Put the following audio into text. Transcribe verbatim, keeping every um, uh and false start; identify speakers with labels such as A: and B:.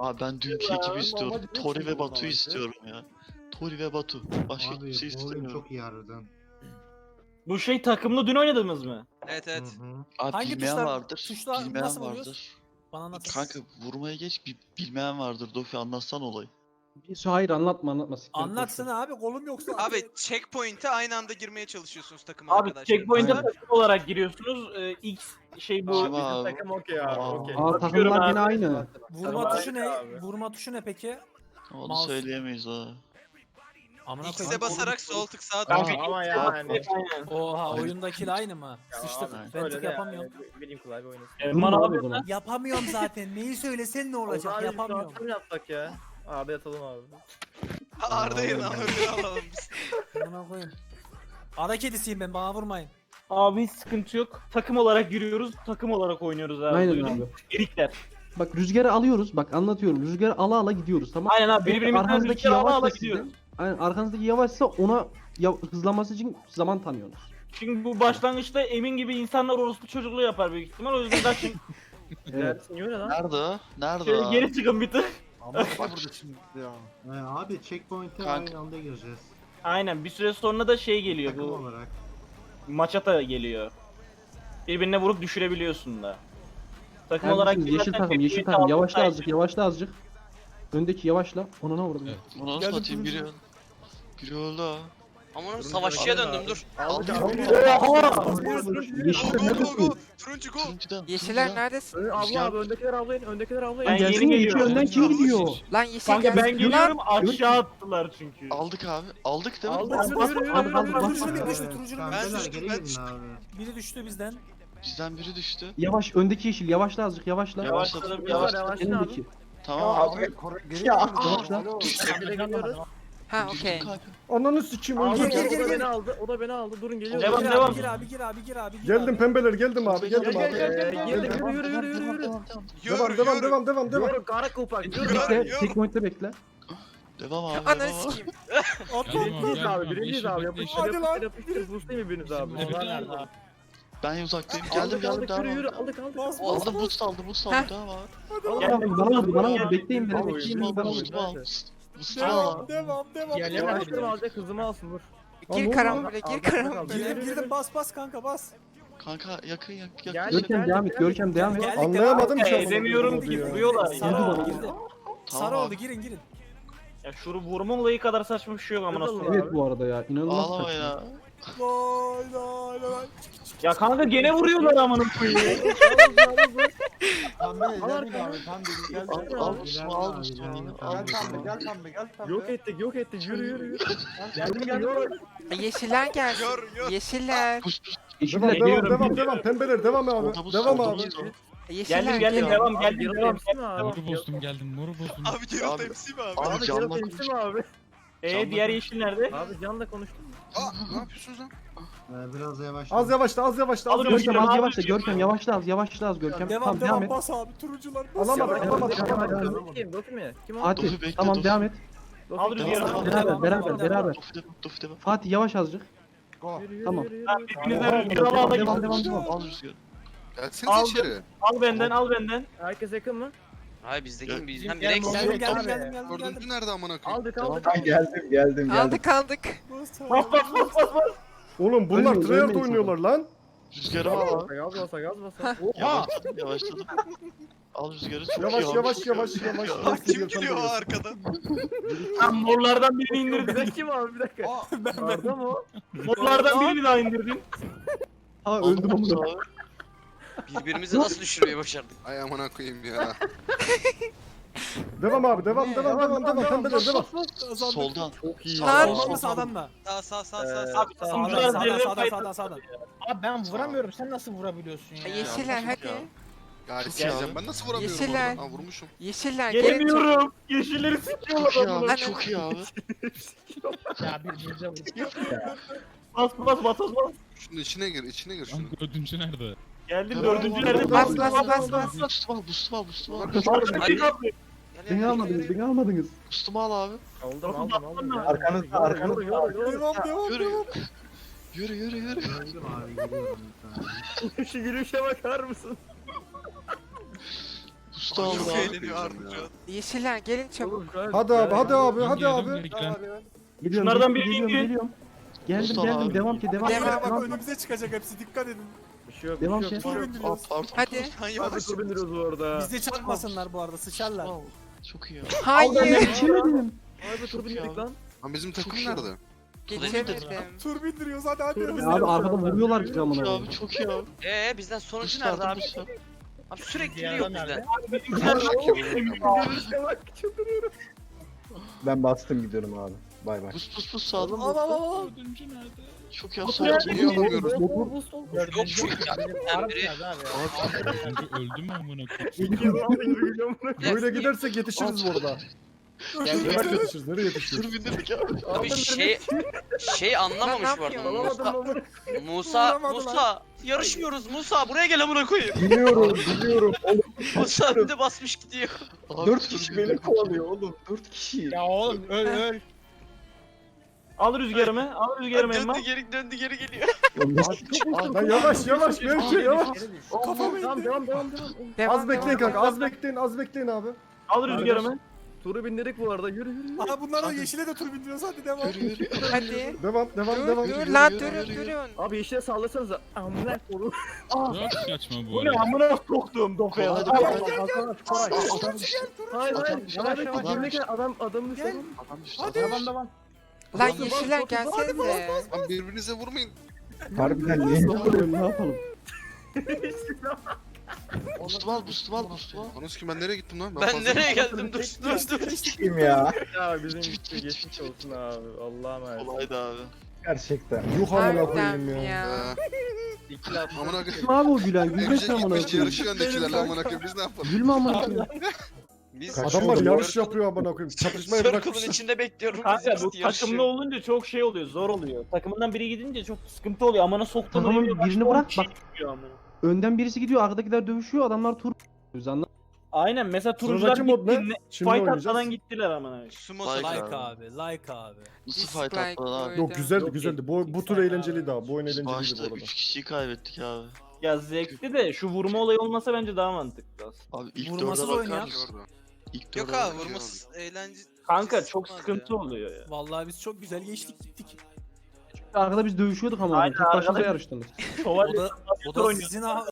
A: Abi ben dünkü
B: Ya,
A: ekibi istiyorum.
B: ama
A: Tori ve
B: geçin
A: Batu'yu
B: bundan
A: istiyorum ya. Tori ve Batu. Başka
C: Abi
A: kimse
C: bu oyun
A: istemiyorum.
C: çok iyi harbiden.
D: Bu şey takımlı dün oynadığımız mı?
E: Evet
C: Hı
E: evet.
C: hı.
A: Abi
F: Hangi
A: bilmeyen
F: tuşlar-
A: vardır.
F: tuşlar
A: bilmeyen
F: nasıl vuruyoruz?
A: vardır.
F: Bana anlat.
A: Kanka vurmaya geç bir bilmeyen vardır. Dofi anlatsan olayı.
G: Bir hayır anlatma anlatma. siktir et, boş ver.
F: Anlatsana abi kolum yoksa.
E: Abi checkpoint'e aynı anda girmeye çalışıyorsunuz takım
D: Abi
E: arkadaşlar.
D: checkpoint'e
G: Aynen.
D: takım olarak giriyorsunuz. Ee, X şey bu.
A: Kim abi?
B: Takım okey abi
A: Aa.
B: okey.
G: Aa takımlar yine aynı.
F: Vurma
B: Tamam,
F: tuşu ne?
B: abi.
F: Vurma tuşu ne peki?
A: Onu
F: Mouse.
A: söyleyemeyiz ha.
F: Amına
E: X'e
F: koyayım.
E: basarak sol tık sağ tık.
D: Kanka,
B: Ama yani.
D: Aynen.
F: Oha oyundakiyle aynı mı?
B: Ya
F: Sıçtık.
B: abi,
F: Ben
B: öyle
F: tık
B: de
F: yapamıyorum.
B: yani, Bileyim kolay bir oynasın.
D: Erman
G: Vurma
D: abi
G: abi buna.
F: Yapamıyorum zaten. Neyi söylesen ne olacak?
B: Abi,
F: Yapamıyorum.
B: şu an yapsak ya. Abi yatalım abi.
E: Arda'yı lan öyle alalım biz.
F: Amına koyayım. Ara kedisiyim ben, bana vurmayın.
D: Abi hiç sıkıntı yok. Takım olarak giriyoruz. Takım olarak oynuyoruz abi.
G: Aynen
D: Duydun
G: abi.
D: mu? Erikler.
G: Bak rüzgarı alıyoruz. Bak anlatıyorum. Rüzgarı ala ala gidiyoruz tamam.
D: Aynen abi birbirimizden
G: Arkanızdaki
D: rüzgar ala ala
G: yavaşsa
D: gidiyoruz.
G: sizin. Aynen arkanızdaki yavaşsa ona ya, hızlanması için zaman tanıyorsunuz.
D: Çünkü bu başlangıçta Emin gibi insanlar orospu çocukluğu yapar büyük ihtimal. O yüzden kaçın.
G: Evet.
B: Dersin yiyor ne lan?
A: Nerede o? Nerede
D: Şöyle
A: o?
D: geri çıkın bir tık.
C: Ama burada şimdi ya. Ee, abi checkpoint'e
A: Kanka.
C: aynı anda gireceğiz.
D: Aynen bir süre sonra da şey geliyor
C: Takım
D: bu.
C: olarak.
D: Maçata geliyor. Birbirine vurup düşürebiliyorsun da. Takım
G: Neredesiniz?
D: olarak
G: yeşil
D: girersen
G: takım, yeşil
D: birbirine
G: takım.
D: altı
G: Yavaşla
D: tane-
G: azıcık, yavaşla azıcık. Öndeki yavaşla. Ona ne vurdum?
A: Bunu nasıl
F: Geldim
A: atayım
F: turuncu.
A: biri öldü. Biri öldü ha.
E: Aman savaşçıya döndüm dur.
B: Aldık
A: Aldım.
B: abi.
G: Yeşil
E: Go go go
G: neredesin?
E: go. Turuncu go.
A: Turuncudan.
H: Yeşiller
A: turuncudan.
H: neredesin?
B: Ön- Abla abi öndekiler avlayın, öndekiler avlayın.
D: Ben yeni
G: Gelsene iki
D: geliyorum.
G: önden kim gidiyor?
H: Lan yeşil
D: Kanka
H: gelsin.
D: ben geliyorum aşağı attılar çünkü.
A: Aldık abi. Aldık değil mi?
B: Aldık, yürü, yürü, yürü,
G: Aldık,
B: yürü,
G: aldık,
B: yürü.
G: aldık.
F: Turuncu bir düştü,
C: Ee,
F: turuncu bir
C: kankalar,
E: düştüm,
C: geri
E: ben
C: gelin
E: düştüm.
C: abi.
F: Biri düştü bizden.
A: Bizden biri düştü.
G: Yavaş, öndeki yeşil. Yavaşla azıcık, yavaşla.
D: Yavaşladım
B: Yavaş
D: yavaş.
B: yavaş
G: Elindeki.
B: abi.
A: Tamam abi.
G: Yavaşla.
B: Bir de geliyoruz.
H: Ha
A: Düştüm
H: okey.
A: kanka.
I: Ananı sikeyim
B: Aldı,
I: öldüm.
F: Gel, gel,
B: o da
F: gel.
B: beni aldı, o da beni aldı. Durun geliyoruz.
D: Devam,
F: Gir
D: devam.
F: abi, gir abi, gir abi, gir abi. gir
I: Geldim
F: abi.
I: pembeler geldim abi
A: Gel,
I: geldim
B: Gel
I: abi.
B: gel gel gel.
I: Geldim.
B: Geldik, yürü yürü yürü yürü.
A: Tamam, tamam.
E: Yürü
I: Devam devam
E: yürü.
I: devam devam devam.
B: Yürü kara kupak. Yürü.
E: Yürü.
G: Bekle, checkpoint'te bekle.
A: Devam abi.
H: Ananı
A: Devam abi.
H: sikeyim.
B: Birinciyiz abi, birinciyiz abi. Yapıştır
F: Hadi lan.
B: yapıştır yapıştır. Boostlayın biriniz abi.
A: Ben uzaktayım.
B: Aldık
A: Geldim geldim
B: aldık
A: devam
B: yürü yürü
A: abi.
B: aldık aldık.
F: Bas, bas.
A: Aldım boost aldım boost aldım devam abi.
G: Bana vur, bana vur, bana vur. Bekleyin beni,
B: Al oyunu,
G: bekleyin
B: al
G: beni.
B: oyunu.
A: Boost'umu al. Boost'umu al.
F: Devam, devam, devam.
B: Gel
F: devam.
B: yavaştırma alacak hızımı alsın dur.
H: Gir karambole gir karambole.
F: Girdim, girdim, bas, bas kanka, bas.
A: Kanka yakın yakın
B: Gel.
A: yakın.
G: Görkem devam et, Görkem devam et.
F: Geldik,
I: Anlayamadım
F: devam.
I: ki.
D: Ee, demiyorum
I: amına
D: ki
I: koyayım ya.
D: vuruyorlar.
F: Sarı
G: Girdi
F: oldu,
G: bana.
F: girdi.
A: Tamam
F: Sarı oldu,
A: abi.
F: girin, girin.
D: Ya şu vurma olayı kadar saçma bir şey yok amına
B: Kızıl
D: koyayım.
G: Evet bu arada ya, inanılmaz
A: Ağlama
G: saçma.
A: ya.
F: Vay vay vay.
D: Ya kanka gene vuruyorlar amına koyayım.
C: Pembe
B: Al
C: gelin
B: arkana.
C: abi pembe gel.
A: Al al boost'umu al boost'umu al.
C: Gel pembe gel pembe gel pembe.
B: Yok ettik yok ettik yürü yürü yürü. Geldim geldim.
H: Yeşiller gelsin.
E: Gör gör.
H: Yeşiller.
A: Boost boost.
G: Yeşiller
I: Devam
D: Geliyorum,
I: devam devam
D: geliyorum.
I: devam pembeler devam
A: Solda
I: abi.
A: boost,
I: Devam
A: solda
I: abi.
A: boost.
H: Yeşiller
D: Geldim geldim
H: geliyor.
D: devam
B: Abi
D: geldim
B: Geralt
D: devam.
B: temsil mi abi?
J: Moru bozdum geldim, moru bozdum.
E: Abi Geralt
A: Abi-
E: M C mi abi?
A: Abi
B: Abi
A: canla
B: Geralt temsil
A: konuş.
B: mi abi?
D: Ee diğer yeşil nerede?
B: Abi Can'la konuştum.
E: Aa ne yapıyorsunuz lan?
C: Ee, biraz yavaş.
I: Az yavaşla az yavaşla az
D: Alırım,
I: yavaşla.
G: Görkem az
D: Abi,
G: yavaşla,
D: abi.
G: Görkem yavaşla az, yavaşla az Görkem.
F: Devam,
G: Tamam devam
F: devam,
G: et.
F: bas abi, turuncular. Bas.
I: Alamadım
F: ya.
I: alamadım
G: Devam,
I: alamadım.
G: devam, devam.
B: Kim? Dofi mi? Kim o?
G: Fatih,
A: Dofi bekle,
G: tamam
A: Dofi.
G: devam et.
B: Dofi.
D: Al rüzgarı.
A: Devam,
G: Beraber,
F: devam,
G: beraber,
F: devam.
G: beraber.
A: Dofi devam Dofi devam.
G: Fatih yavaş azıcık.
B: Yürü, yürü,
G: Tamam.
B: yürü, yürü.
D: Lan birbirinize
G: Devam,
D: rüzgar ala ala
G: devam,
D: gidin.
G: devam, devam.
A: Al rüzgarı.
E: Gelsene
D: Aldım.
E: içeri.
D: Al benden al benden.
B: Herkes yakın mı?
E: Hayır bizdeki bizden
B: Gel,
E: biri eksik.
F: Geldim, geldim,
B: Abi.
F: geldim, geldim, geldim.
E: Dördüncü nerede amına koyayım?
B: Aldık aldık.
I: geldim geldim
H: Aldık aldık.
F: Bas abi.
D: Bas bas bas bas bas.
I: Oğlum bunlar
G: Ölmeyin,
I: tryhard
G: ölmeyin
I: oynuyorlar lan.
A: Rüzgarı al abi.
B: Gaz basa gaz basa.
A: Yavaşladım yavaşladım. Al rüzgarı. Çok
I: Yavaş
A: iyi
I: yavaş
A: olmuş.
I: yavaş yavaş.
E: Abi kim geliyor o arkadan?
D: Lan morlardan birini
B: Bir
D: indirdin.
B: dakika kim abi bir dakika. Arda mı o?
D: Morlardan birini daha indirdin.
G: Ha
A: Aldım
G: öldüm
A: boost
G: ama.
A: abi.
E: Birbirimizi nasıl düşürmeyi başardık?
K: Ay amına koyayım ya.
I: Devam abi devam devam devam devam pembeler devam.
A: Soldan.
B: Çok iyi.
H: Lan.
F: Soldan mı, sağdan mı?
E: Sağ sağ sağ
B: Ee,
E: sağ sağ.
D: Abi
F: Sağdan,
D: sunucular
F: sağdan,
D: zerre
F: sağdan,
D: fayda.
F: sağdan, sağdan.
I: Abi ben vuramıyorum sen nasıl vurabiliyorsun
H: Ha, Yeşiller hadi.
K: Ya
A: Çok
K: sikeceğim
A: iyi
K: ben nasıl vuramıyorum
H: Yeşiller.
K: orada? Ha vurmuşum.
H: Yeşiller gelin.
D: Gelemiyorum. Yeşilleri sikiyorlar
A: Çok iyi
D: adamı.
A: abi. Çok iyi abi.
I: Ya birbirimize vuruyor.
D: Bas bas bas bas bas.
K: Şunun içine gir, içine gir
J: Lan
K: şunu.
J: dördüncü nerede?
D: Geldim
A: Tamam,
D: dördüncü
A: tamam,
D: nerede?
H: Bas bas bas bas.
A: Boost'umu al boost'umu al boost'umu al.
E: Hadi.
G: Beni almadınız, beni almadınız.
A: Boost'umu al abi.
B: Aldım aldım aldım.
I: Arkanızda, arkanızda.
B: Yoru yoru yoru.
F: Devam, devam,
A: Yürü
F: devam.
A: yürü. Yürü yürü yürü.
C: Öldüm abi geliyorum bir tane.
B: Şu gülüşe bakar mısın?
A: Usta aldı
E: Çok
A: abi.
E: eğleniyor Arda şu an.
H: Yeşiller gelin çabuk.
B: Oğlum, gel-
I: Hadi abi,
B: gel-
I: hadi abi,
J: Ben
I: hadi
J: geldim,
I: abi.
J: beklen.
G: Geliyorum,
D: Şunlardan
G: geliyorum,
D: biri
G: geliyorum,
D: indi.
G: geliyorum. Geldim
A: Mustafa
G: geldim
A: abi.
G: devam ki devam ki.
H: Devam.
G: devam.
I: önümüze çıkacak hepsi, dikkat edin.
B: Bir şey yok, bir
G: Devam
B: şey yok,
G: ki.
B: bir şey yok.
I: Tur
A: Aa,
I: bindiriyoruz.
A: pardon.
H: Hadi.
E: Sen
B: Hadi
E: yavaş.
B: tur bindiriyoruz bu arada.
I: Bize çarpmasınlar bu arada, sıçarlar.
A: Çok iyi.
H: Hayır.
G: Geçemedim.
B: Abi tur bindirdik lan.
K: Lan bizim takım
A: iyi
K: nerede?
H: Geçemedim.
I: Tur bindiriyoruz, hadi hadi.
B: Tur
I: hadi.
B: bindiriyoruz.
G: Abi arkada vuruyorlar bizi
A: Çok
G: amına
A: iyi
G: koyayım.
A: abi çok iyi abi.
E: Eee bizden sonuncu
A: Usta
E: nerede
A: aldı
E: abi?
A: usta.
E: Abi sürekli
I: Diğer
E: biliyor
I: adam
E: bizden.
B: Bak çıldırıyorum.
C: Ben bastım gidiyorum abi. Bay bay.
A: Bus bus bus sağdan.
J: Dördüncü nerede?
A: Çok iyi abi.
D: Bus
A: Sol
D: nerede?
K: Niye alamıyoruz?
E: Yok şu ya. biri.
J: Dördüncü öldü mü amına koyayım?
B: İki yıl aldı gibi gülüyorum buna.
I: Böyle gidersek yetişiriz bu arada. Nereye yetişiriz, nereye yetişiriz?
A: Tur bindirdik abi.
E: Abi şey şey anlamamış
H: Lan ne
E: bu arada.
H: yapıyorsun?
B: Alamadım
E: Musa
B: lan.
E: Musa Musa yarışmıyoruz Musa buraya gel amına koyayım.
C: Biliyorum biliyorum.
E: Musa önde basmış gidiyor.
A: Abi,
C: Dört
A: tur
C: kişi
A: bindirdik.
C: beni kovalıyor oğlum. Dört kişi.
I: Ya oğlum öl öl.
D: Al rüzgarımı. Al rüzgarımı Emma.
E: Döndü geri döndü geri geliyor.
I: Lan yavaş yavaş, Melike yavaş.
B: Kafam devam devam devam devam.
H: Devam,
I: Az bekleyin
H: devam.
I: kanka, az bekleyin, az bekleyin abi.
D: Al rüzgarımı.
B: Turu bindirdik bu arada. Yürü yürü. yürü.
I: Aha bunlar da yeşile de tur bindiriyoruz, hadi devam.
A: Yürü yürü.
H: Hadi.
I: Devam, devam,
H: Dur
I: devam.
H: dur
A: yürü,
H: lan
A: yürü,
H: durun
A: yürü, yürü.
H: durun.
B: Abi yeşile sallasanıza. Amına koyayım.
J: Çok saçma bu
D: Bu ne
J: arada.
D: amına soktuğum dofya.
A: Hadi
D: Al.
A: bakalım.
B: Hayır hayır.
A: Adam-
B: Yavaş
A: adam-
B: yavaş. Yerine gel. Adam adamın üstüne.
A: Adam düştü.
I: Hadi. Devam, devam.
H: Lan
B: Hadi,
H: yeşiller
B: bas, bas,
H: gelsenize.
K: Lan birbirinize vurmayın.
C: Harbiden niye?
G: Ne yapalım ne yapalım?
A: Boost'umu al boost'umu al boost'umu al.
K: Anons ki ben nereye gittim lan?
E: Ben
K: fazla-
E: nereye geldim dur dur dur.
C: Kim ya?
B: Ya bizim
A: Bitti,
B: gitti
A: bitti,
B: geçmiş
A: bitti.
B: olsun abi. Allah'a emanet.
A: Kolaydı abi.
C: Gerçekten.
I: Yuh amına
H: Harbiden
I: koyayım ya.
H: ya.
K: Ee,
B: İki laf.
K: amına koyayım.
G: Kim abi o gülen? Gülme
K: Emce
G: sen amına
K: gitmiş
G: koyayım.
K: yarışıyor öndekilerle amına koyayım biz ne yapalım?
G: Gülme amına koyayım.
E: Biz
I: Adamlar
K: Circle-
I: yarış yapıyor amına koyayım. Çatışmayı
E: Circle'ın
I: bırakmışlar.
E: içinde bekliyorum.
D: Kanka
E: Biz
D: bu
E: yarışıyor.
D: takımlı olunca çok şey oluyor, zor oluyor. Takımından biri gidince çok sıkıntı oluyor. Amına soktuğunu
G: Takımın
D: biliyor,
G: birini
D: başka on
G: bırak,
D: kişi
G: bak.
D: çıkıyor amına.
G: Önden birisi gidiyor, arkadakiler dövüşüyor, adamlar tur. Anladın?
D: Aynen mesela turuncular
I: Sıradaki mod ne?
D: gitti.
I: Şimdi
D: Fight
I: oynayacağız.
D: atmadan gittiler amına.
E: Sumo
A: Like
E: like.
J: Like abi, like abi.
A: Nasıl
H: Dislike
A: fight attılar abi?
H: koydum.
I: Yok güzeldi
D: Çok
I: güzeldi. Bu, bu tur
J: Dislike
I: eğlenceliydi
J: abi.
I: abi. Bu oyun eğlenceliydi
A: Başta
I: bu arada.
A: üç kişiyi kaybettik abi.
D: Ya zevkli de şu vurma olayı olmasa bence daha mantıklı aslında.
A: Abi ilk
F: Vurmasız
A: dörde
F: oynayak.
A: bakar.
K: Orada.
A: İlk
E: Yok
A: dörde
E: abi
A: bakar.
E: vurması eğlence.
D: Kanka çok
E: Sıkmaz
D: sıkıntı
E: ya.
D: oluyor ya.
F: Vallahi biz çok güzel geçtik gittik.
G: Arkada biz dövüşüyorduk ama.
D: Aynen,
G: Tek başınıza
D: arkada-
G: yarıştınız.
F: O
D: Şövalye
F: da, o da sizin